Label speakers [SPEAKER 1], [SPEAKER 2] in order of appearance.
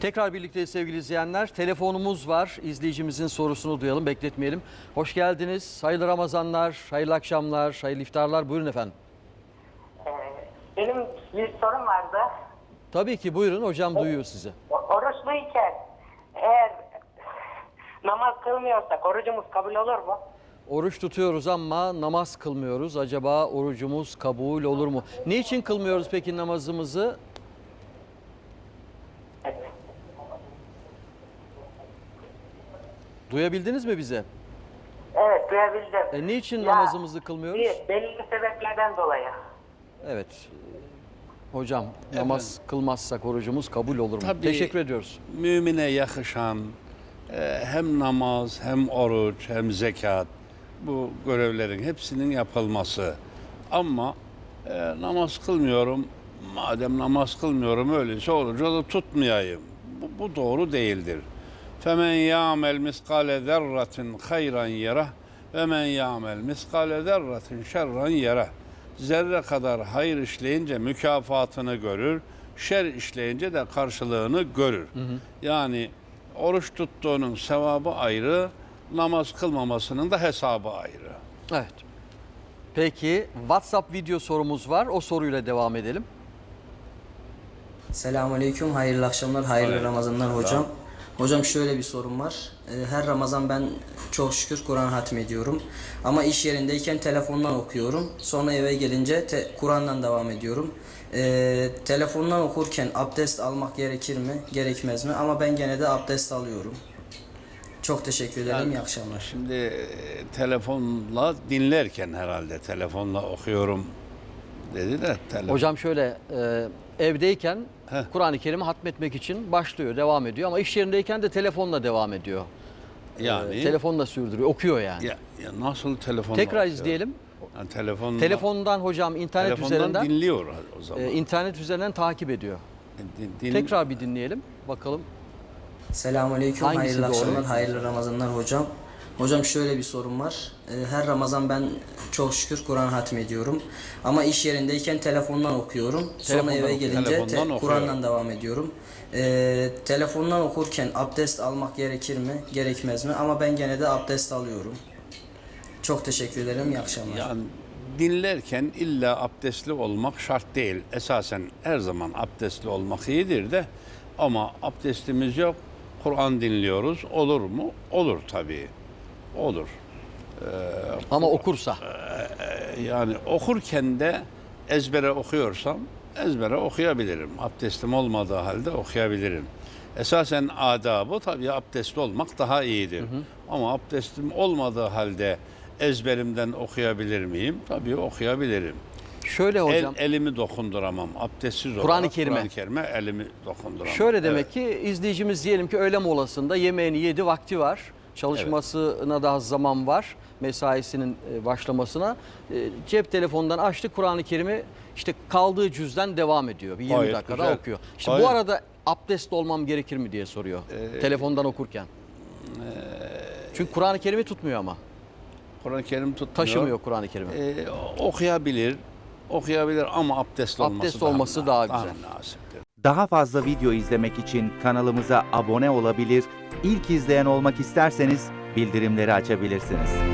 [SPEAKER 1] Tekrar birlikte sevgili izleyenler. Telefonumuz var. İzleyicimizin sorusunu duyalım, bekletmeyelim. Hoş geldiniz. Hayırlı Ramazanlar, hayırlı akşamlar, hayırlı iftarlar. Buyurun efendim.
[SPEAKER 2] Benim bir sorum vardı.
[SPEAKER 1] Tabii ki buyurun. Hocam duyuyor sizi.
[SPEAKER 2] Oruçluyken eğer namaz kılmıyorsak orucumuz kabul olur mu?
[SPEAKER 1] Oruç tutuyoruz ama namaz kılmıyoruz. Acaba orucumuz kabul olur mu? Niçin kılmıyoruz peki namazımızı? Duyabildiniz mi bize?
[SPEAKER 2] Evet, duyabildim.
[SPEAKER 1] Niçin namazımızı kılmıyoruz?
[SPEAKER 2] Belli sebeplerden dolayı.
[SPEAKER 1] Evet. Hocam namaz kılmazsak orucumuz kabul olur mu?
[SPEAKER 3] Tabii,
[SPEAKER 1] Teşekkür ediyoruz.
[SPEAKER 3] Mümine yakışan hem namaz hem oruç hem zekat, bu görevlerin hepsinin yapılması. Ama namaz kılmıyorum, madem namaz kılmıyorum öyleyse orucu da tutmayayım. Bu doğru değildir. فَمَنْ يَعْمَلْ مِسْقَالَ ذَرَّةٍ خَيْرًا يَرَهُ وَمَنْ يَعْمَلْ مِسْقَالَ ذَرَّةٍ شَرًّا يَرَهُ. Zerre kadar hayır işleyince mükafatını görür, şer işleyince de karşılığını görür. Yani oruç tuttuğunun sevabı ayrı, namaz kılmamasının da hesabı ayrı.
[SPEAKER 1] Evet. Peki WhatsApp video sorumuz var. O soruyla devam edelim.
[SPEAKER 4] Selamünaleyküm, hayırlı akşamlar, hayırlı Ramazanlar hocam. Hocam şöyle bir sorum var. Her Ramazan ben çok şükür Kur'an hatmediyorum. Ama iş yerindeyken telefondan okuyorum. Sonra eve gelince Kur'an'dan devam ediyorum. Telefondan okurken abdest almak gerekir mi, gerekmez mi? Ama ben gene de abdest alıyorum. Çok teşekkür ederim, iyi akşamlar.
[SPEAKER 3] Şimdi telefonla dinlerken herhalde telefonla okuyorum dedi de.
[SPEAKER 1] Hocam şöyle evdeyken Kur'an-ı Kerim'i hatmetmek için başlıyor, devam ediyor. Ama iş yerindeyken de telefonla devam ediyor.
[SPEAKER 3] Yani
[SPEAKER 1] telefonla sürdürüyor, okuyor yani.
[SPEAKER 3] ya nasıl telefonla
[SPEAKER 1] Tekrar
[SPEAKER 3] okuyor?
[SPEAKER 1] izleyelim.
[SPEAKER 3] Yani
[SPEAKER 1] Telefondan hocam internet üzerinden
[SPEAKER 3] dinliyor o zaman.
[SPEAKER 1] internet üzerinden takip ediyor. Tekrar bir dinleyelim bakalım.
[SPEAKER 4] Selamünaleyküm,
[SPEAKER 1] Hangisi
[SPEAKER 4] hayırlı
[SPEAKER 1] doğru?
[SPEAKER 4] akşamlar, hayırlı Ramazanlar hocam. Hocam şöyle bir sorum var. Her Ramazan ben çok şükür Kur'an hatmediyorum. Ama iş yerindeyken telefondan okuyorum. Sonra eve gelince Kur'an'dan devam ediyorum. Telefondan okurken abdest almak gerekir mi, gerekmez mi? Ama ben gene de abdest alıyorum. Çok teşekkür ederim, iyi akşamlar.
[SPEAKER 3] Yani dinlerken illa abdestli olmak şart değil. Esasen her zaman abdestli olmak iyidir de, ama abdestimiz yok, Kur'an dinliyoruz. Olur mu? Olur tabii. Olur.
[SPEAKER 1] Ama okursa.
[SPEAKER 3] Yani okurken de ezbere okuyorsam ezbere okuyabilirim. Abdestim olmadığı halde okuyabilirim. Esasen adabı tabii abdestli olmak daha iyidir. Ama abdestim olmadığı halde ezberimden okuyabilir miyim? Tabii okuyabilirim.
[SPEAKER 1] Şöyle hocam.
[SPEAKER 3] Elimi dokunduramam. Abdestsiz olarak
[SPEAKER 1] Kur'an-ı Kerim'e
[SPEAKER 3] elimi dokunduramam.
[SPEAKER 1] Şöyle demek ki izleyicimiz diyelim ki öğle molasında yemeğini yedi, vakti var. Çalışmasına daha zaman var. Mesaisinin başlamasına. Cep telefonundan açtı, Kur'an-ı Kerim'i işte kaldığı cüzden devam ediyor. Bir 20
[SPEAKER 3] Gayet
[SPEAKER 1] dakikada
[SPEAKER 3] güzel.
[SPEAKER 1] okuyor. İşte bu arada abdestli olmam gerekir mi diye soruyor. Telefondan okurken. Çünkü Kur'an-ı Kerim'i tutmuyor ama.
[SPEAKER 3] Kur'an-ı Kerim tutmuyor.
[SPEAKER 1] Taşımıyor Kur'an-ı Kerim'i.
[SPEAKER 3] Okuyabilir ama abdestli
[SPEAKER 1] olması daha güzel.
[SPEAKER 3] münasiptir.
[SPEAKER 5] Daha fazla video izlemek için kanalımıza abone olabilir, ilk izleyen olmak isterseniz bildirimleri açabilirsiniz.